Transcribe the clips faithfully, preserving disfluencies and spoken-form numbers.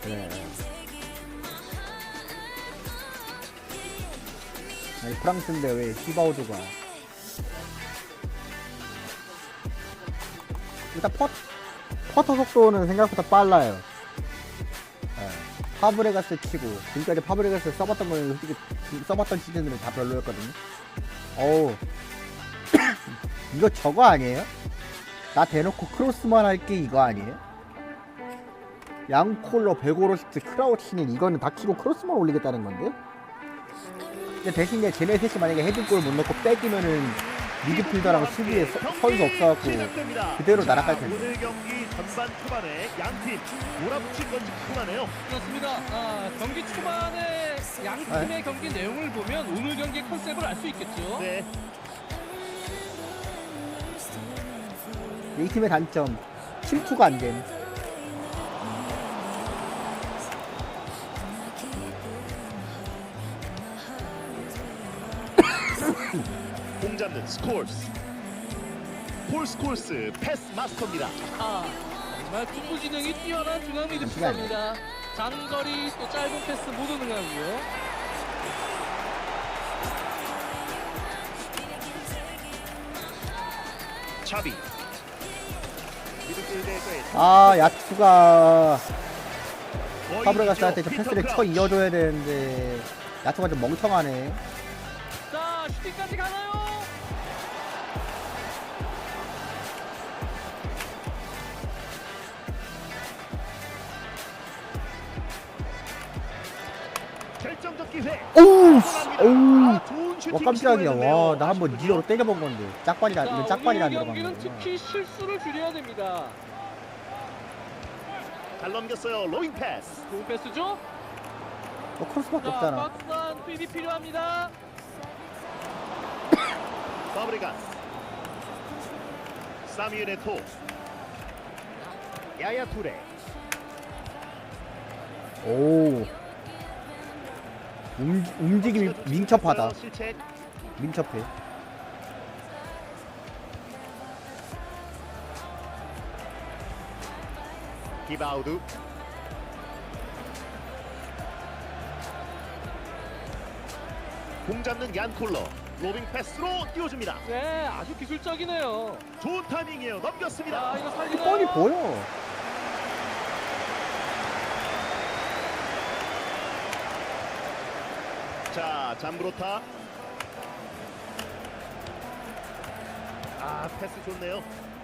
네. 아니, 프랑스인데 왜 히바우드가 일단 퍼, 퍼터 속도는 생각보다 빨라요. 네. 파브레가스 치고 지금까지 파브레가스 써봤던 거는 솔직히 써봤던 시즌들은 다 별로였거든요. 어우 이거 저거 아니에요? 나 대놓고 크로스만 할게 이거 아니에요? 양콜러 베고로스트 크라우치는 이거는 다 키고 크로스만 올리겠다는 건데? 근데 대신에 쟤네 셋이 만약에 헤딩골 못 넣고 뺏기면은 미드필더랑 수비에 서, 선수 없어갖고 그대로 날아갈 텐데. 오늘 경기 전반 초반에 양팀 몰아붙인 건지 궁금하네요. 그렇습니다. 아, 경기 초반에 양 팀의 네. 경기 내용을 보면 오늘 경기 컨셉을 알 수 있겠죠. 네, 이 팀의 단점 침투가 안 됨. 공 잡는 스콜스. 폴 스콜스 패스 마스터입니다. 아, 정말 축구 기능이 뛰어난 중앙 미드필더입니다. 장거리 또 짧은 패스 모두 능하고요. 차비. 미드필드에서의 아 야투가 거의 파브레가스한테 저 피터 패스를 쳐 크라우치. 이어줘야 되는데 야투가 좀 멍청하네. 자, 슈팅까지 가나요? 결정적 기회. 오우 들어갑니다. 오우 아, 좋은 슈팅 와 깜짝이야. 시도했는데요. 와 나 한번 아쉽군요. 니어로 때려본 건데 짝발이라 이건 짝발이 안 오늘 들어간 경기는 거구나. 특히 실수를 줄여야 됩니다. 잘 넘겼어요. 로잉 패스. 좋은 패스죠? 너 크로스밖에 자, 없잖아. 박스한 투입이 필요합니다. 파브레가스. 사뮤엘 토. 야야 투레. 오 움, 움직임이 민첩하다. 실책. 민첩해. 기바우드. 공 잡는 얀콜러. 로빙 패스로 띄워줍니다. 네, 아주 기술적이네요. 좋은 타이밍이에요. 넘겼습니다. 자, 이거 살리나요? 뻔히 보여. 자, 잠브로타. 아, 패스 좋네요.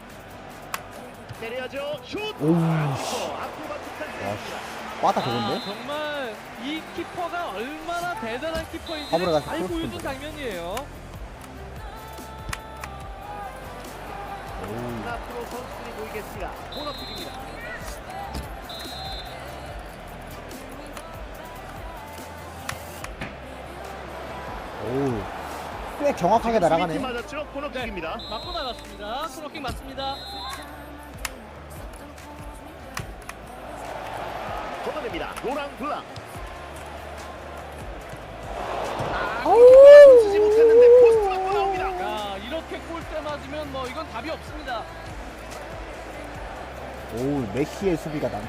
때려야죠. 슛. 오우 아, 씨. 아크로바틱한 플레이입니다. 빠다 아, 좋은데? 정말 이 키퍼가 얼마나 대단한 키퍼인지 파브레 가서 잘 크로스 보여준 punta. 장면이에요. 오우 앞으로 선수들이 보이겠습니다. 코너킥입니다. 오우 꽤 정확하게 날아가네. 스위치 맞았죠? 코너킥입니다. 맞고 나갔습니다. 코너킥 맞습니다. 걷어냅니다. 로랑 블랑. 아우 쓰지 못했는데 포스트 맞고 나옵니다. 야, 이렇게 골대 맞으면 뭐 이건 답이 없습니다. 오우 메시의 수비가 난.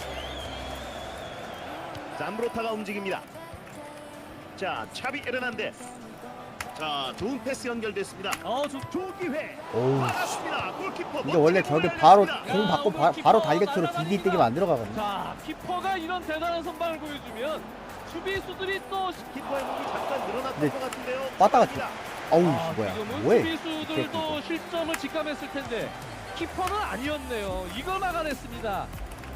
잠브로타가 움직입니다. 자, 차비 에르난데스. 자, 좋은 패스 연결됐습니다. 어, 좋 좋은 기회. 오우 받았습니다. 골키퍼. 근데 원래 멋지게 저게 골을 바로 알렸습니다. 공 받고 바, 바로 다이렉트로 디디 뛰기만 안 들어가거든요. 자, 키퍼가 이런 대단한 선방을 보여주면 수비수들이 또 키퍼의 몸이 잠깐 늘어났던 네. 것 같은데요. 빠따가 축하합니다. 어우 아, 뭐야 지금은 뭐해? 수비수들도 실점을 직감했을 텐데 키퍼는 아니었네요. 이걸 막아냈습니다.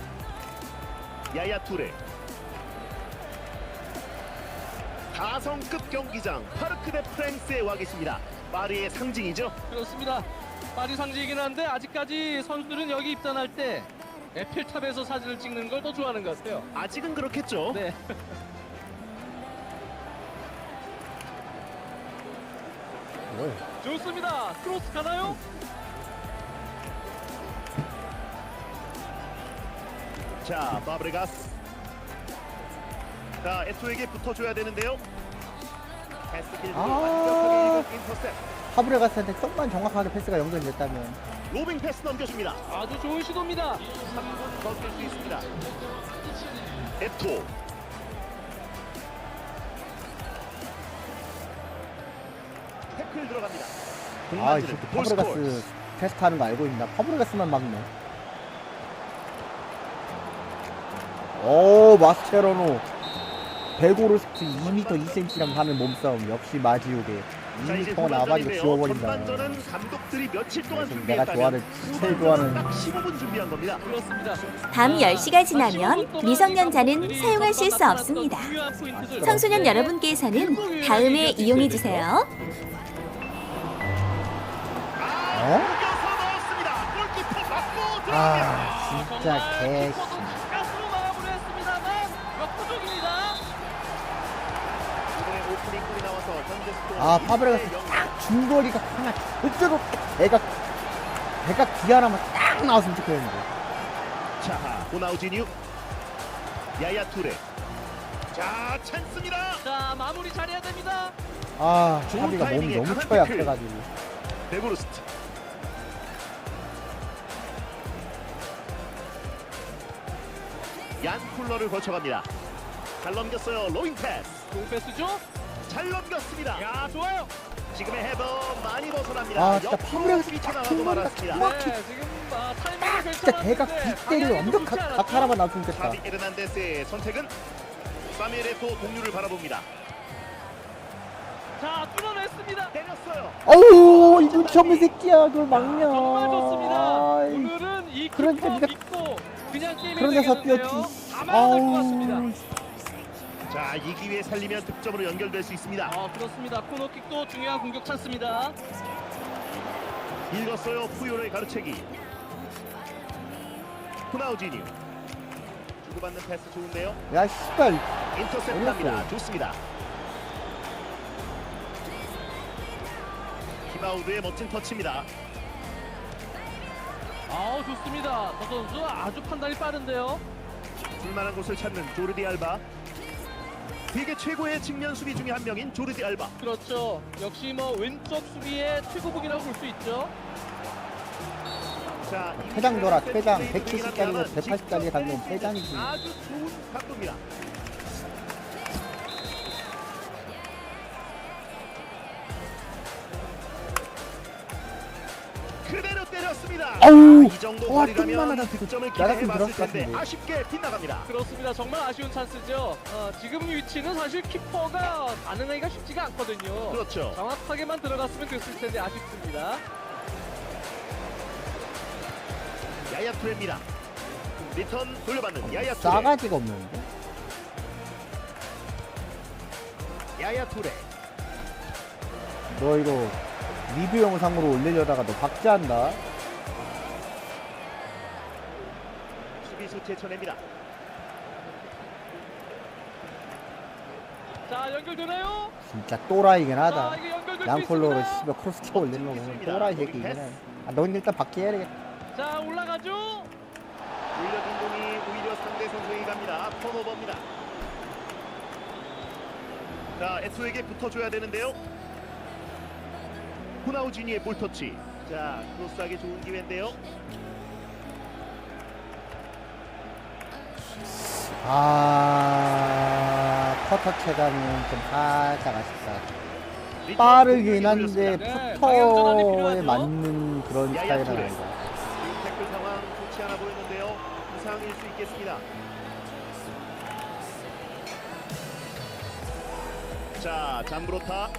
야야 투레. 가성급 경기장 파르크 데 프랑스에 와 계십니다. 파리의 상징이죠. 그렇습니다. 파리 상징이긴 한데 아직까지 선수들은 여기 입단할 때 에펠탑에서 사진을 찍는 걸 더 좋아하는 것 같아요. 아직은 그렇겠죠. 네. 뭐해? 좋습니다. 크로스 가나요? 자, 파브레가스. 자, 에토에게 붙어줘야 되는데요. 패스 길을 아. 완벽하게 읽은 인터셉. 파브레가스한테 조금만 정확하게 패스가 연결됐다면. 로빙 패스 넘겨줍니다. 아주 좋은 시도입니다. 삼 분 넘길 수 있습니다. 에토. 태클 들어갑니다. 공 아, 이 만지는 새끼 볼스코어스. 파브레가스 테스트하는 거 알고 있나? 파브레가스만 막네. 오, 마스체로노. 베고르스트 이 미터 이 센티미터랑 하는 몸싸움. 역시 마지오게. 자, 이 이제 미터 나발이고 전반전인데요. 지워버린다. 전반전은 감독들이 며칠 동안 그래서 준비했다면 내가 좋아하는, 제일 후반전은 좋아하는 딱 십오 분 준비한 겁니다. 그렇습니다. 밤 열 시가 지나면 미성년자는 사용하실 수 없습니다. 청소년 여러분께서는 다음에 이용해 주세요. 어? 이겨서 넣었습니다. 골키퍼 맞고 들어갑니다. 아, 진짜 개. 가스로 마무리했습니다만 역부족입니다. 이번에 오프닝 골이 나와서 현재 스코어 아, 파브레가스 일 대 영. 딱 중거리가 하나 절대로 배가 배가 귀 하나만 딱 나왔으면 좋겠는데. 자, 호나우지뉴, 야야 투레. 자, 찬스입니다. 자, 마무리 잘해야 됩니다. 아, 좋은 차비가 몸이 타이밍에 너무 강한 처약해가지고. 베고르스트. 얀 쿨러를 거쳐갑니다. 잘 넘겼어요. 로잉 패스. 공패스죠? 잘 넘겼습니다. 야, 좋아요. 지금의 헤더 많이 벗어납니다. 아, 진짜 옆으로 파브레가스 스위쳐 딱 나가고 중거리가 말았습니다. 정확히 네, 지금 아, 타이밍이 괜찮았는데 진짜 대각 뒷대를 완벽 각, 각 하나만 놔주면 좋겠다. 차비 에르난데스의 선택은 사무엘 에토 동료를 바라봅니다. 자, 뚫어냈습니다. 때렸어요. 어우, 이 눈치 없는 새끼야. 그걸 막냐. 정말 좋습니다. 아이, 오늘은 이 그러니까 키퍼 네가- 믿고 그냥 게임이 그런 데서 되겠는데요. 뛰었지. 가만히 될것 같습니다. 아우, 자, 이 기회에 살리면 득점으로 연결될 수 있습니다. 아, 그렇습니다. 코너킥도 중요한 공격 찬스입니다. 읽었어요. 푸요의 가르치기. 호나우지뉴. 주고받는 패스 좋은데요. 야, 씨발. 인터셉트합니다. 올렸어요. 좋습니다. 키바우드의 멋진 터치입니다. 아우, 좋습니다. 저 선수 아주 판단이 빠른데요. 줄만한 곳을 찾는 조르디 알바. 세계 최고의 측면 수비 중에 한 명인 조르디 알바. 그렇죠. 역시 뭐 왼쪽 수비의 최고봉이라고 볼 수 있죠. 자, 퇴장 돌아, 퇴장. 백 백칠십 짜리가 백팔십 짜리 가면 퇴장이지. 아주 좋은 각도입니다. 그대로 때렸습니다. 아우, 이 정도 와, 거리라면 좀만 하다 득점을 나갔으면 기대해봤을 들어갔을 것 텐데 같은데. 아쉽게 빗나갑니다. 그렇습니다. 정말 아쉬운 찬스죠. 어, 지금 위치는 사실 키퍼가 반응하기가 쉽지가 않거든요. 그렇죠. 정확하게만 들어갔으면 됐을 텐데 아쉽습니다. 야야 투레입니다. 리턴 돌려받는 야야 투레. 싸가지가 없는데. 야야 투레. 너 이거 리뷰 영상으로 올리려다가 너 박제한다. 수비수 제쳐냅니다. 자, 연결되나요? 진짜 또라이긴 자, 하다. 이거 연결될 수 양콜로로 있습니다. 씨발 크로스 쳐 올리는 거 보면 또라이 새끼긴 해. 아, 넌 일단 박제해야 되겠다. 자, 올라가죠. 올려준 공이 오히려 상대 선수에게 갑니다. 턴오버입니다. 자, 에토에게 붙어줘야 되는데요. 호나우지니의 볼터치. 자, 크로스하기 좋은 기회인데요. 아, 커터 체감은 좀 살짝 아쉽다. 리턴 빠르긴 공격이 한데 걸렸습니다. 네, 방향전환이 푸터에 필요하죠. 맞는 그런 야야 스타일은 투레. 아니다. 지금 태클 상황 좋지 않아 보이는데요. 부상일 수 있겠습니다. 자, 잠브로타.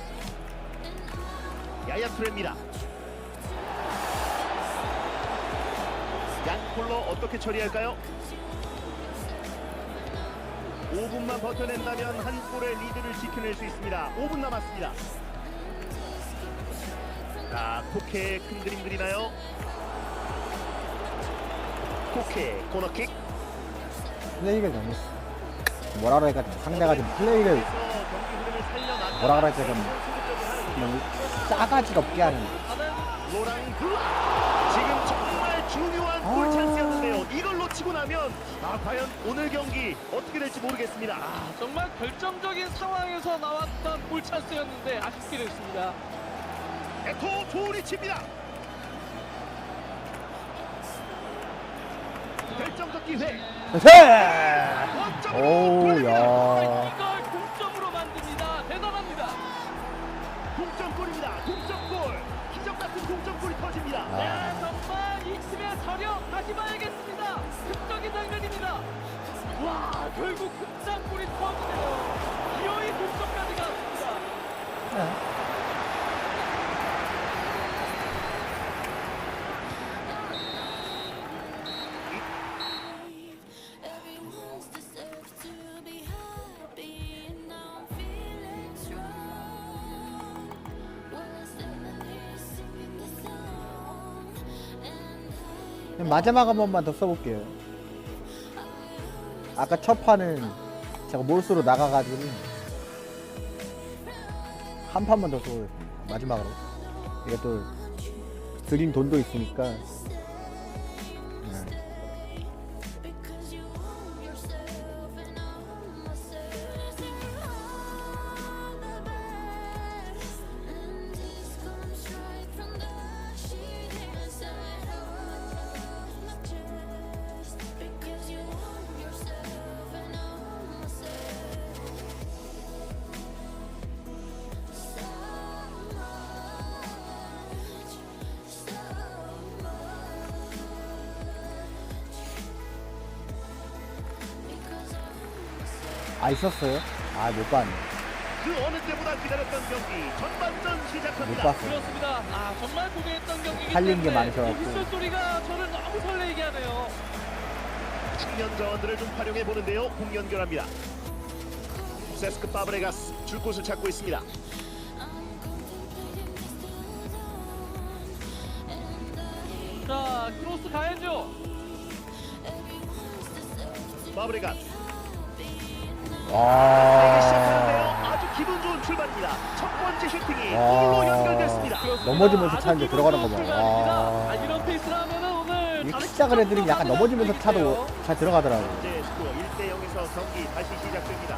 야야 투레입니다. 양콜러 어떻게 처리할까요? 오 분만 버텨낸다면 한 골의 리드를 지켜낼 수 있습니다. 오 분 남았습니다. 자, 코케 큰 그림 그리나요? 코케 코너킥. 플레이를 너무 뭐라 그럴까 상대가 좀 플레이를 경기 흐름을 살려놨다가 뭐라 그럴까 좀 소극적으로 하는 그냥 싸가지가 없게 하는. 로랑 블라. 지금 정말 중요한 아. 골 찬스였는데요. 이걸 놓치고 나면 아 과연 오늘 경기 어떻게 될지 모르겠습니다. 아, 정말 결정적인 상황에서 나왔던 골 찬스였는데 아쉽게 됐습니다. 에토 좋은 위치입니다. 결정적 기회. 네! 오, 야. 이걸 동점으로 만듭니다. 대단합니다. 동점골입니다. 동점골. 기적 같은 동점골이 터집니다. 아. 네, 정말 이 팀의 저력 다시 봐야겠습니다. 극적인 장면입니다. 와, 결국 극장골이 터지네요. 기어이 동점까지 갔습니다. Everyone's deserves to be happy, and now I'm feeling strong. We're standing here singing the song, and 그럼 마지막 한 번만 더 써볼게요. 아까 첫 판은 제가 몰수로 나가가지고 한 판만 더 써보겠습니다. 마지막으로. 이게 또 드린 돈도 있으니까. 네. because you own yourself, and I own myself, you're all the best, and this comes right from the sheet inside of my chest, because you own yourself, and I own myself. So much, so 아, 있었어요? 아, 못 봤네. 그 어느 때보다 기다렸던 경기 전반전 못 시작합니다. 봤어. 그렇습니다. 아, 정말 고대했던 경기이기 팔린 게 때문에 많으셔갖고. 이 휘슬 소리가 저를 너무 설레게 하네요. 측면 자원들을 좀 활용해 보는데요. 공 연결합니다. 세스크 파브레가스 줄 곳을 찾고 있습니다. 자, 크로스 가야죠. 파브레가스 와. 시작하는데요. 아주 기분 좋은 출발입니다. 첫 번째 슈팅이 와. 골로 연결됐습니다. 그렇습니다. 넘어지면서 아주 차는데 기분 들어가는 거 좋은 봐. 출발입니다. 와. 아, 이런 페이스라면은 오늘 이 다른 시작을 애들이 약간 팀하고도 넘어지면서 가져갈 수 차도 있겠네요. 잘 들어가더라고. 현재 스코어 일 대 영에서 경기 다시 시작됩니다.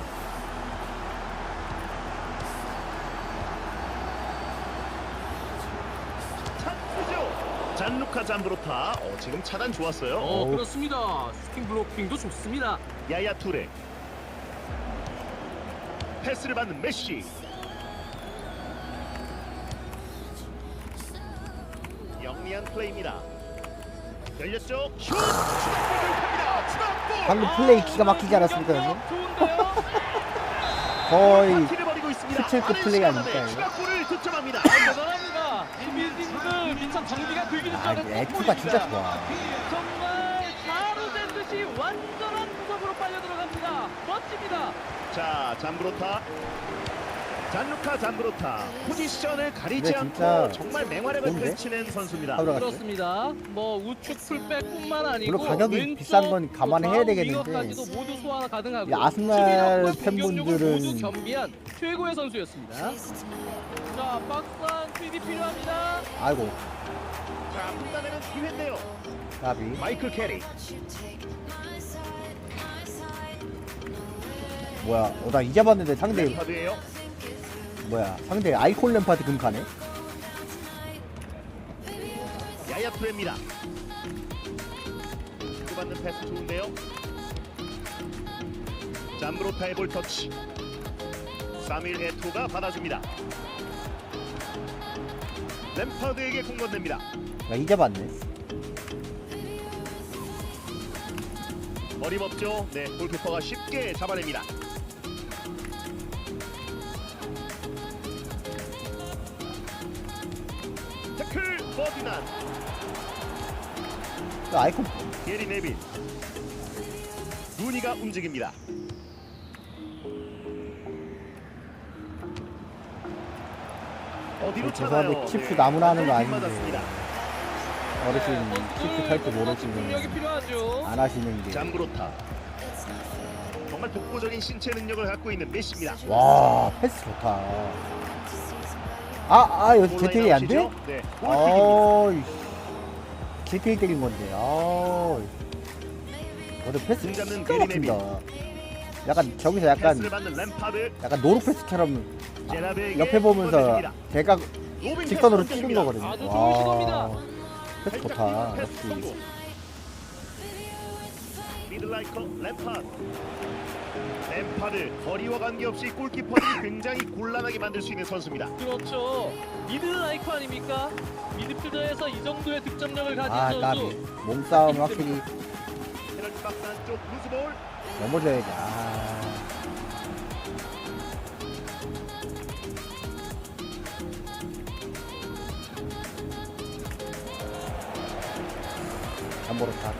찬스죠. 잔루카 잠브로타. 어, 지금 차단 좋았어요. 어, 어우. 그렇습니다. 슈팅 블로킹도 좋습니다. 야야 투레. 패스를 받는 메시. 영리한 플레이입니다. 열렸죠. 슛! 추가골을 탑니다. 추가골! 방금 플레이 기가 막히지 않았습니까, 형님? 좋은데요? 거의 파티를 벌이고 있습니다. 스틸급 빠른 플레이 시간 안에 아닐까요? 추가골을 득점합니다. 대단합니다. 이 빌딩들 미천 경기가 되기 아, 전에 액트가 진짜 좋아. 정말 가루 된 듯이 완전한 구석으로 빨려 들어갑니다. 멋집니다. 자, 잠브로타. 잔루카 잠브로타. 포지션을 가리지 근데 진짜 않고 정말 맹활약을 좋은데? 펼치는 선수입니다. 하더라고요. 그렇습니다. 뭐 우측 풀백뿐만 아니고 물론 가격이 왼쪽 비싼 건 감안해야 좌우 되겠는데 윙어까지도 모두 소화가 가능하고 이 아스날 수비력과 공격력을 팬분들은- 모두 겸비한 최고의 선수였습니다. 자, 박스한 투입이 필요합니다. 아이고, 자, 판단에는 기회인데요. 나비. 마이클 캐리. 뭐야, 어, 나 이제 봤는데 상대, 램파드예요. 뭐야, 상대 아이콘 램파드 금카네? 야야 투레입니다. 주고받는 패스 좋은데요. 잠브로타의 볼 터치. 사밀 에토가 받아줍니다. 램파드에게 공 건넵니다. 나 이제 봤네. 머리 법죠. 네, 골키퍼가 쉽게 잡아냅니다. 태클 버디난. 그 아이콘, 게리 네빈. 루니가 움직입니다. 어디로 차나요? 죄송한데 칩스 나무나 하는 거 완전히 아닌데. 빗맞았습니다. 어르신 선수들 칩스 탈 줄 뭐 집중력이 모르시면 필요하죠. 안 하시는 게. 잠그로타. 정말 독보적인 신체 능력을 갖고 있는 메시입니다. 와, 패스 좋다. 아, 아, 여기 제테이 안 돼? 네, 골킥입니다. 어이, 제테이 때린 건데, 아우. 오늘 패스 공 잡는 기가 게리 막힌다. 약간, 저기서 약간, 패스를 받는 램파드. 약간 노루 패스처럼 제라베에게 옆에 보면서 건네줍니다. 대각 로빙 직선으로 패스 찌른 성공입니다. 거거든요. 아주 좋은 시도입니다. 패스 살짝 좋다. 뛰는 패스 역시. 성공. 미들 스트라이커 램파드. 램파드 거리와 관계없이 골키퍼들이 굉장히 곤란하게 만들 수 있는 선수입니다. 그렇죠. 미드 라이커 아닙니까? 미드필더에서 이 정도의 득점력을 가진 아, 선수. 까비. 몸싸움 확실히 페널티 박스 안쪽 루즈볼. 넘어져야지. 아. 잠보로타.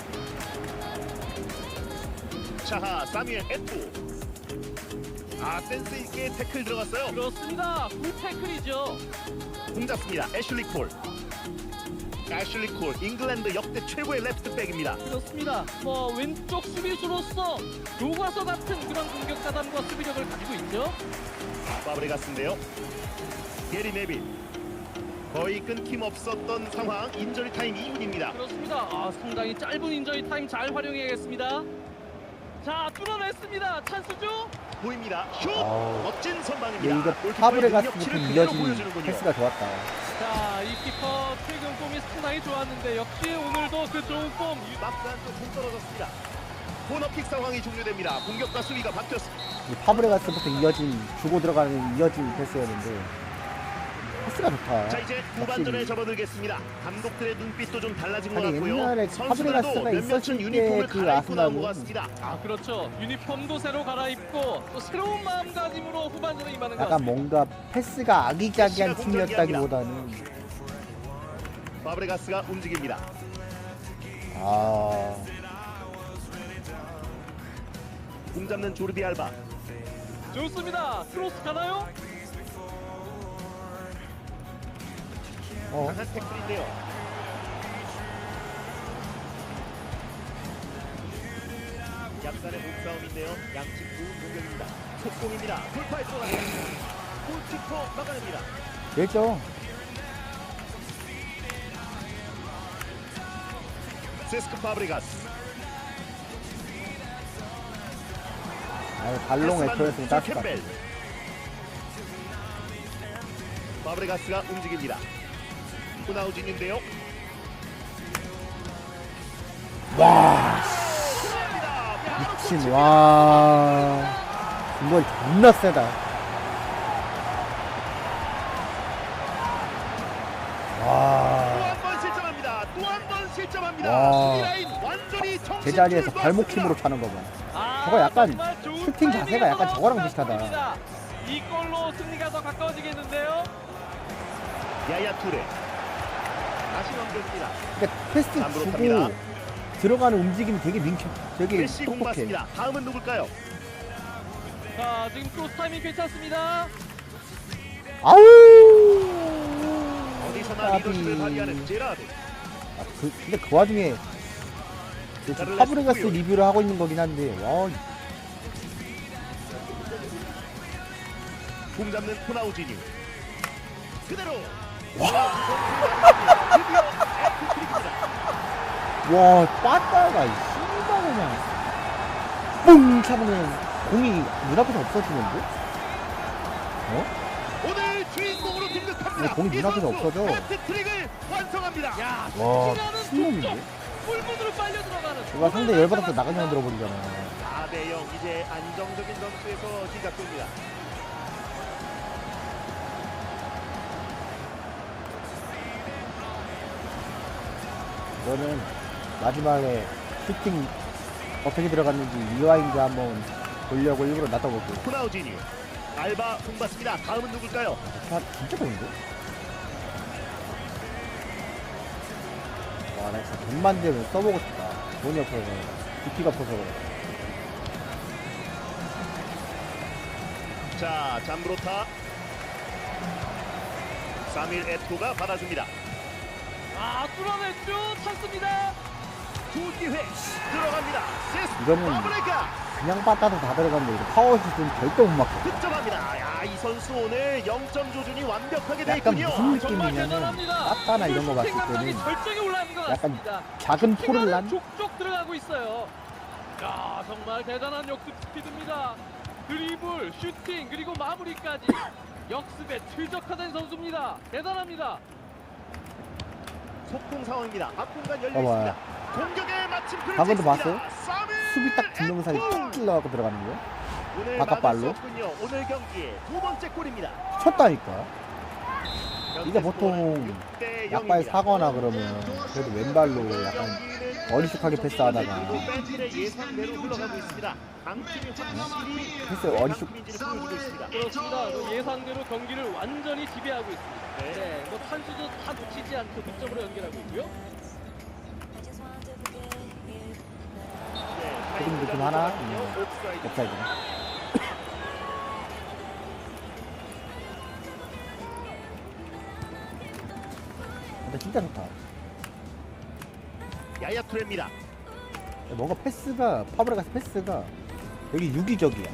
자하 사뮤엘 에토. 아 센스 있게 태클 들어갔어요. 그렇습니다. 굿 태클이죠. 공 잡습니다. 애슐리 콜. 애슐리 콜 잉글랜드 역대 최고의 레프트백입니다. 그렇습니다. 뭐 왼쪽 수비수로서 교과서 같은 그런 공격 가담과 수비력을 가지고 있죠. 파브레가스인데요. 게리 네빌. 거의 끊김없었던 상황. 인저리 타임 이 분입니다. 그렇습니다. 아, 상당히 짧은 인저리 타임 잘 활용해야겠습니다. 자, 뚫어냈습니다. 찬스죠? 보입니다. 슛! 아우. 멋진 예, 선방입니다. 이거 골키퍼의 파브레가스부터 능력치를 그대로 이어진 보여주는군요. 패스가 좋았다. 자, 이 키퍼 최근 폼이 상당히 좋았는데 역시 오늘도 그 좋은 폼. 박스 안쪽 공 떨어졌습니다. 코너킥 상황이 종료됩니다. 공격과 수비가 바뀌었습니다. 이 파브레가스부터 이어진 주고 들어가는 이어진 패스였는데 패스가 좋다. 자 이제 후반전에 접어들겠습니다. 감독들의 눈빛도 좀 달라진 것 아니, 같고요. 옛날에 선수들도 파브레가스가 몇몇은 있었을 유니폼을 때 그 갈아입고 나온 것 아스날은 같습니다. 아, 그렇죠. 유니폼도 새로 갈아입고 또 새로운 마음가짐으로 후반전에 임하는 것 약간 같습니다. 뭔가 패스가 아기자기한 메시가 팀이었다기보다는 파브레가스가 움직입니다. 아 공 잡는 조르디 알바. 좋습니다. 크로스 가나요? 어. 강한 태클인데요. 약간의 몸싸움인데요. 양측 좋은 공격입니다. 속공입니다. 돌파에 들어갑니다. 골키퍼 막아냅니다. 됐죠. 세스크 파브레가스. 아니 발롱 애초였으면 땄을 것 같아. 캠벨. 파브레가스가 움직입니다. 호나우진인데요. 와 미친 와 이걸 존나 세다. 또 와 한 번 실점합니다. 또 한 번 실점합니다. 와. 수비라인 완전히 정신 제자리에서 줄도 발목 없습니다. 힘으로 차는 거 봐. 아, 저거 약간 정말 좋은 슈팅 자세가 약간 타이밍에서 저거랑 나온 비슷하다. 골입니다. 이 골로 승리가 더 가까워지겠는데요. 야야 투레. 다시 넘겨줍니다. 그러니까 패스 잠으로 주고 탑니다. 들어가는 움직임이 되게 민첩, 되게 메시 공 똑똑해. 맞습니다. 다음은 누굴까요? 자, 지금 크로스 타이밍 괜찮습니다. 아우. 어디서나 까비. 리더십을 발휘하는 제라드. 아, 그, 근데 그 와중에 그 지금 파브레가스 리뷰를 하고 있는 거긴 한데 와 공 잡는 호나우지니. 그대로. 와, 빠따가 씨발 그냥 뿡 차면 공이 눈앞에서 없어지는데? 어? 오늘 주인공으로 등극합니다. 왜 공이 이 눈앞에서 선수 없어져? 해트트릭을 완성합니다. 야, 와, 슈팅하는 미친놈인데? 족족 골문으로 빨려 들어가는. 누가 상대 열받아서 나가냐 들어버리잖아. 사 대 영 이제 안정적인 점수에서 시작됩니다. 이거는 마지막에 슈팅 어떻게 들어갔는지 리와인드 한번 보려고 일부러 놔둬볼게요. 호나우지니. 알바 공 받습니다. 다음은 누굴까요? 아, 진짜 좋은데? 와, 나 진짜 돈만 되면 써보고 싶다. 돈이 없어서, 비키가 없어서 그래. 자, 잠브로타. 사밀 에토가 받아줍니다. 아, 뚫어냈죠. 찬스입니다. 두 기회 들어갑니다. 세스 이거는 파브레가 그냥 빠따도 다 들어갔는데, 이거 파워슛은 절대 못 막혀. 득점합니다. 야, 이 선수 오늘 영 점 조준이 완벽하게 돼 약간 있군요. 무슨 정말 느낌이냐면, 대단합니다. 빠따나 이런 거 봤을 슈팅 감각이 때는 절정에 올라있는 것 약간 같습니다. 작은 포를 슈팅하는 난? 족족 들어가고 있어요. 야, 정말 대단한 역습 스피드입니다. 드리블, 슈팅, 그리고 마무리까지 역습에 최적화된 선수입니다. 대단합니다. 속공 상황입니다. 앞공간 열려 봐봐. 있습니다. 공격에 마침표를 방금도 찍습니다. 봤어요? 사밀 수비 딱 두 명 사이 딱 찔러갖고 들어가는 거야? 오늘 바깥발로? 막을 수 없군요. 오늘 경기의 두 번째 골입니다. 쳤다니까. 이게 현재 보통 스코어는 육 대 약발 영입니다. 사거나 그러면 그래도 왼발로 약간 어리숙하게 패스하다가 팬들의 예상대로 흘러가고 있습니다. 강팀이 확실히 패스 어리숙 팀인지를 보여주고 있습니다. 그렇습니다. 그 예상대로 경기를 완전히 지배하고 있습니다. 네. 네, 뭐 찬수도 다 놓치지 않고 득점으로 연결하고 있고요. 네, 조금 느낌 하나? 음. 옵사이드. 옵사이드네. 근데 진짜 좋다. 야야 투레입니다. 뭔가 패스가 파브레가스 패스가 되게 유기적이야.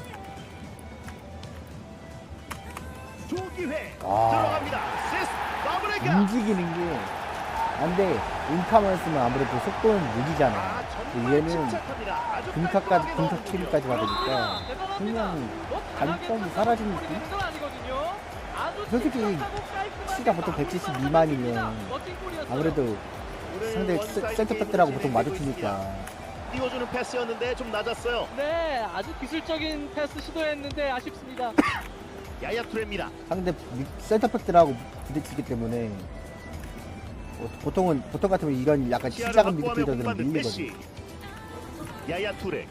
조기회 아. 들어갑니다. 세스 마브레가. 움직이는 게 안돼. 인카만 쓰면 아무래도 속도는 느리잖아. 아, 근데 정말 얘는 침착합니다. 아주 금카까지 깔끔하게 금카 넣어주고요. 킬까지 받으니까 대단합니다. 그냥 뭐 단점이 강하게 사라진 찬스를 느낌? 부리는 건 아니거든요. 아주 솔직히 침착하고 깔끔하게 키가 보통 백칠십 마무리만 미만이면 하는 멋진 골이었어요. 아무래도 오늘 상대 원사이드 센터백들하고 게임으로 보통 진행되고 있습니다. 마주치니까 띄워주는 패스였는데 좀 낮았어요. 네, 아주 기술적인 패스 시도했는데 아쉽습니다. 야야 투레입니다. 상대 미- 센터백들하고 부딪히기 때문에 어, 보통은 보통 같으면 이런 약간 시야를 시작은 확보하며 미드필더들은 공받는 밀리거든. 메시. 야야 투레.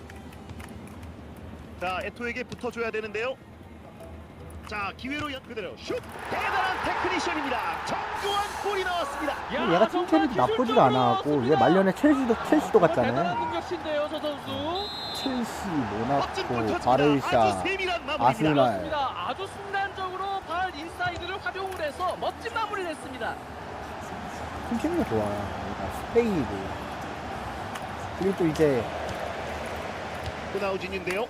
자, 에토에게 붙어줘야 되는데요. 자, 기회로 연 그대로 슛. 대단한 테크니션입니다. 정교한 골이 나왔습니다. 근데 얘가 칭찬이 나쁘지가 않아갖고 얘 말년에 첼시도 첼시도 대단한 갔잖아요. 공격신데요, 저 선수. 첼시, 멋진 골 모나코, 터집니다. 아주 바르샤, 세밀한 마무리입니다. 아스날. 그렇습니다. 아주 순간적으로 발 인사이드를 활용을 해서 멋진 마무리를 했습니다. 칭찬이 좋아. 얘가 스페인이고 그리고 또 이제 호나우진인데요.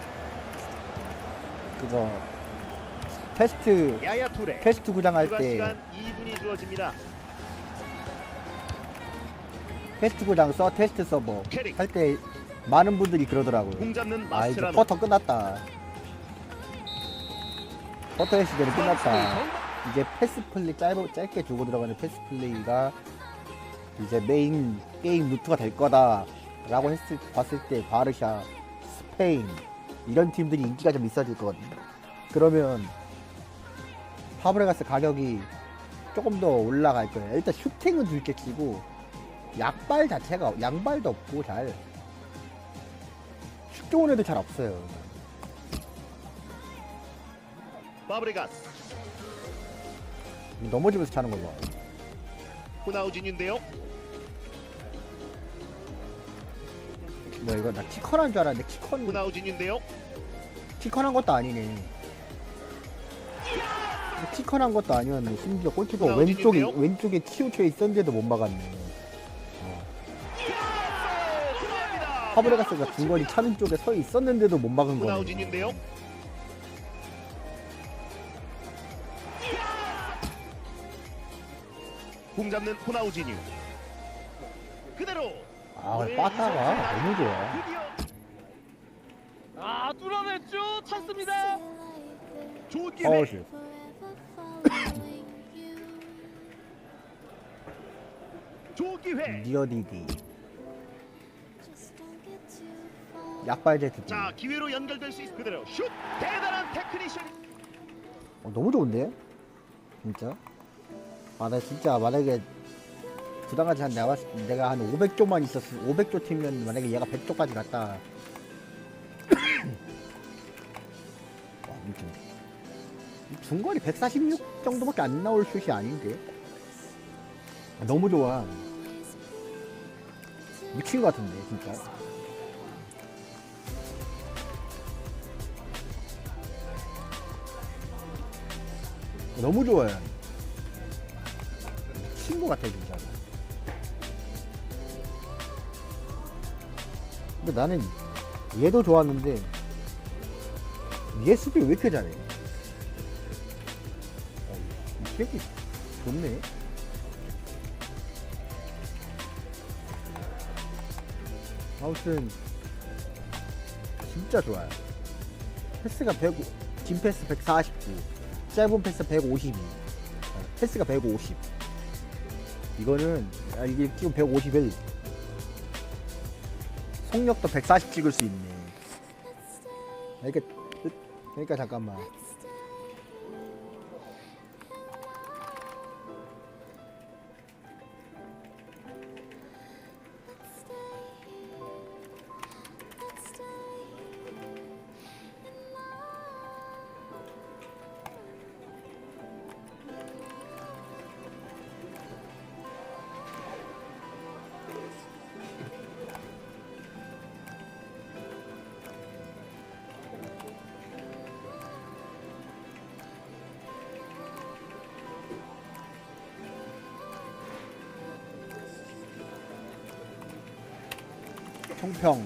그거 테스트 야야 투레. 테스트 구장 할 추가 때 시간 이 분이 주어집니다. 테스트 구장 써 테스트 서버 캐릭. 할 때 많은 분들이 그러더라고요. 공 잡는 아 이제 마스테라노. 퍼터 끝났다. 퍼터의 시대는 끝났다. 이제 패스 플레이 짧, 짧게 주고 들어가는 패스 플레이가 이제 메인 게임 루트가 될 거다 라고 했을, 봤을 때 바르샤, 스페인 이런 팀들이 인기가 좀 있어질 거거든요. 그러면 파브레가스 가격이 조금 더 올라갈 거예요. 일단 슈팅은 둘째 치고 약발 자체가 양발도 없고 잘 슛 좋은 애도 잘 없어요. 바브레가스. 넘어지면서 차는 거 봐. 호나우진인데요. 뭐 이거 나 키컨한 줄 알았는데 키컨 호나우진인데요. 키컨한 것도 아니네. 키컨한 것도 아니었네. 심지어 골키퍼 호나우진인데요? 왼쪽에 왼쪽에 치우쳐 있었는데도 못 막았네. 들어갑니다. 파브레가스가 중거리 차는 쪽에 서 있었는데도 못 막은 거네. 호나우진인데요. 공 잡는 호나우진이. 그대로. 아 빠따가 너무 좋아. 드디어 아, 뚫어냈죠. 찬스입니다. 좋은 기회. 어우씨. 좋은 기회. 니어디디. 약발 제트디. 자, 기회로 연결될 수 있. 그대로 슛. 대단한 테크니션. 어, 너무 좋은데? 진짜? 아, 나 진짜 만약에 부당하지 한 내가, 봤을 때 내가 한 오백 조만 있었어. 오백 조 팀이면 만약에 얘가 백 조까지 갔다. 와, 아무튼. 중거리 백사십육 정도밖에 안 나올 슛이 아닌데? 아, 너무 좋아. 미친 것 같은데, 진짜. 너무 좋아요. 미친 것 같아 진짜. 근데 나는 얘도 좋았는데 얘 수비 왜 이렇게 잘해? 어, 이 새끼 좋네. 아무튼 진짜 좋아요. 패스가 백오, 진 패스 백사십구, 짧은 패스 백오십이, 어, 패스가 백오십. 이거는 아, 이게 지금 백오십일. 속력도 백사십 찍을 수 있네. 그러니까 그러니까 잠깐만. 총평.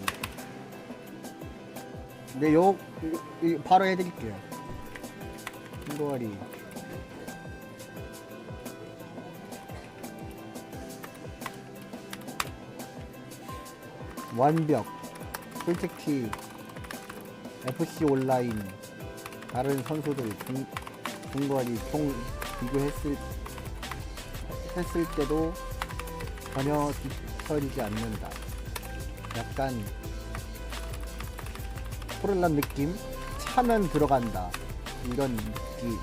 네, 요 이- 이- 바로 해드릴게요. 한도아리. 완벽. 솔직히 에프씨 온라인 다른 선수들 중, 중거리 총 비교했을 했을 때도 전혀 뒤처지지 않는다. 약간 포를란 느낌? 차면 들어간다 이런 느낌.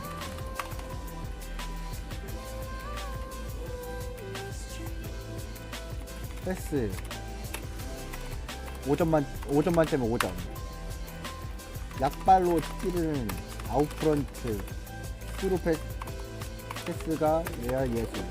패스 오 점만 오 점 만점에 오 점. 약발로 찌르는 아웃프런트 스루 패스, 패스가 레알 예술.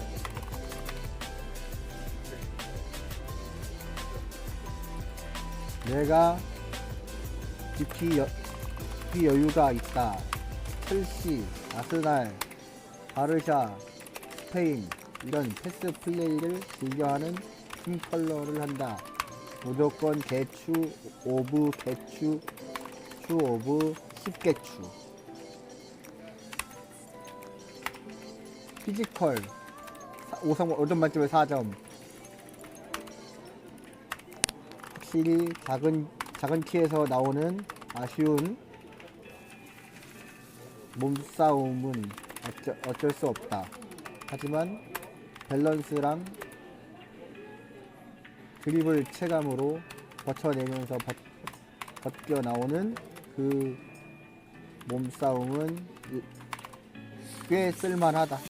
내가 깊이, 여, 깊이 여유가 있다. 첼시, 아스날, 바르샤, 스페인 이런 패스 플레이를 즐겨하는 팀 컬러를 한다. 무조건 개추 오브 개추 추 오브 십개추. 피지컬 오 점 만점에 사 점. 확실히 작은 작은 키에서 나오는 아쉬운 몸싸움은 어쩌, 어쩔 수 없다. 하지만 밸런스랑 드리블 체감으로 버텨내면서 벗, 벗겨 나오는 그 몸싸움은 꽤 쓸만하다.